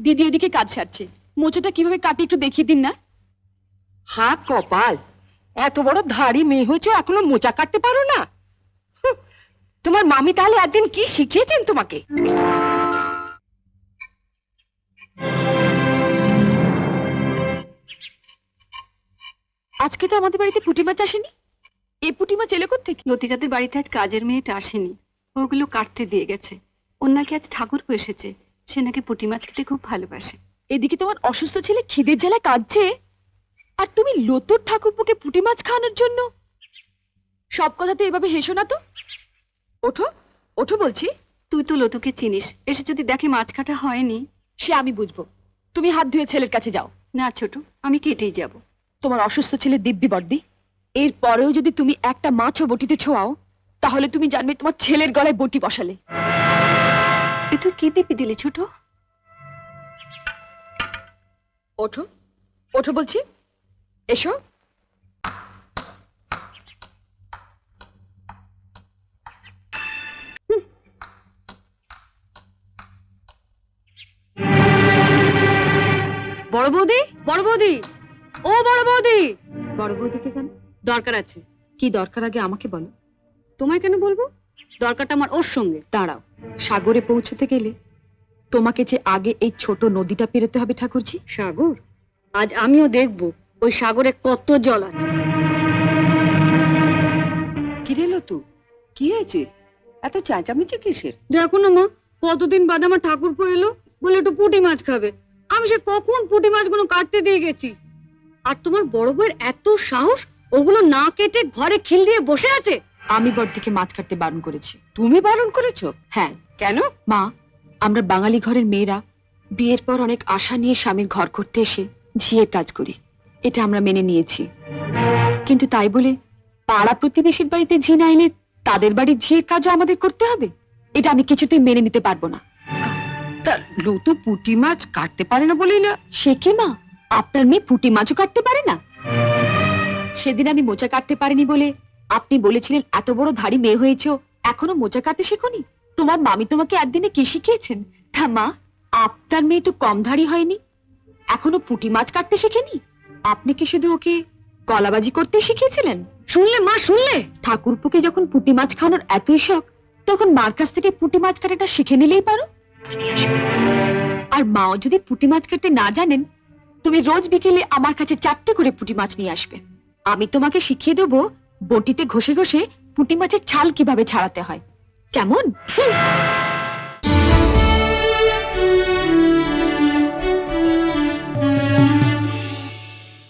দিদি এদিকে কাজ সারছে, মোচাটা কিভাবে কাটে একটু দেখিয়ে দিন না। হা কপাল, এত বড় ধাড়ি মেয়ে হয়েছে এখনো মোচা কাটতে পারো না? তোমার মামি তাহলে একদিন কি শিখিয়েছেন তোমাকে? আজকে তো আমাদের বাড়িতে পুঁটি মাছ আসেনি। এই পুঁটি মাছ এলো কোত্থেকে? লতিকাদের বাড়িতে আজ কাজের মেয়েটা আসেনি, ওগুলো কাটতে দিয়ে গেছে। ওর নাকি আজ ঠাকুরপো এসেছে, সে নাকি পুঁটি মাছ খেতে খুব ভালোবাসে। এদিকে তোমার অসুস্থ ছেলে খিদের জ্বালায় কাঁদছে, আর তুমি লতুর ঠাকুরপোকে পুঁটি মাছ খাওয়ানোর জন্য। সব কথাতে এভাবে হেসো না তো। ওঠো ওঠো বলছি। তুই তো লতুকে চিনিস, এসে যদি দেখে মাছ কাটা হয়নি। সে আমি বুঝবো, তুমি হাত ধুয়ে ছেলের কাছে যাও। না ছোট, আমি কেটেই যাব। তোমার অসুস্থ ছেলে দিব্যি বর্দি, এর পরেও যদি তুমি একটা মাছও বটিতে ছোঁয়াও, তাহলে তুমি জানবে তোমার ছেলের গলায় বটি বসালে। এ তুই কি দিবি দিলি ছোট? ওঠো ওঠো বলছি, এসো। বড় বৌদি, বড় বৌদি, ও বড় বৌদি। বড় বৌদিকে কেন? দরকার আছে। কি দরকার আগে আমাকে বলো। তোমায় কেন বলবো? দরকারটা আমার ওর সঙ্গে। দাঁড়াও, সাগরে পৌঁছতে গেলে তোমাকে যে আগে এই ছোট নদীটা পেরোতে হবে ঠাকুরজি। সাগর? আজ আমিও দেখবো ওই সাগরে কত জল আছে। কি রে লতু, কি হয়েছে? এত চেঁচামেচি কিসের? দেখো না মা, কতদিন বাদে আমার ঠাকুরপো এলো, বলে একটু পুঁটি মাছ খাবে। আমি সে কখন পুঁটি মাছগুলো কাটতে দিয়ে গেছি, আর তোমার বড় বউয়ের এত সাহস, ওগুলো না কেটে ঘরে খিল দিয়ে বসে আছে। আমি বড়দিকে মাছ কাটতে বারণ করেছি। তুমি বারণ করেছো? হ্যাঁ। কেন? মা, আমরা বাঙালি ঘরের মেয়েরা বিয়ের পর অনেক আশা নিয়ে স্বামীর ঘর করতে এসে ঝিয়ের কাজ করি, এটা আমরা মেনে নিয়েছি। কিন্তু তাই বলে পাড়া প্রতিবেশীর বাড়িতে ঝি না এলে তাদের বাড়ির ঝিয়ের কাজও আমাদের করতে হবে? এটা আমি কিছুতেই মেনে নিতে পারবো না। তা লতু পুঁটি মাছ কাটতে পারে না বলেই না? সে কি মা, আপনার মেয়ে পুঁটি মাছও কাটতে পারে না? সেদিন আমি মোচা কাটতে পারিনি বলে আপনি বলেছিলেন এত বড় ধাড়ি মেয়ে হয়েছো, এখনো মোচা কাটতে শেখোনি? তোমার মামি তোমাকে একদিনে কি শিখিয়েছেন? তা মা, আপনার মেয়ে তো কম ধাড়ি হয়নি, এখনো পুঁটি মাছ কাটতে শেখেনি। আপনি কি শুধু ওকে কলাবাজি করতে শিখিয়েছিলেন? শুনলে মা, শুনলে? ঠাকুরপুকে যখন পুঁটি মাছ খাওয়ানোর এতই শখ, তখন মার কাছ থেকে পুঁটি মাছ কাটাটা শিখে নিলেই পারো। আর মাও যদি পুঁটি মাছ কাটতে না জানেন, তুমি রোজ বিকেলে আমার কাছে 4টে করে পুঁটি মাছ নিয়ে আসবে। আমি তোমাকে শিখিয়ে দেবো বটিতে ঘষে ঘষে পুঁটি মাছের ছাল কিভাবে ছাড়াতে হয়। কেমন?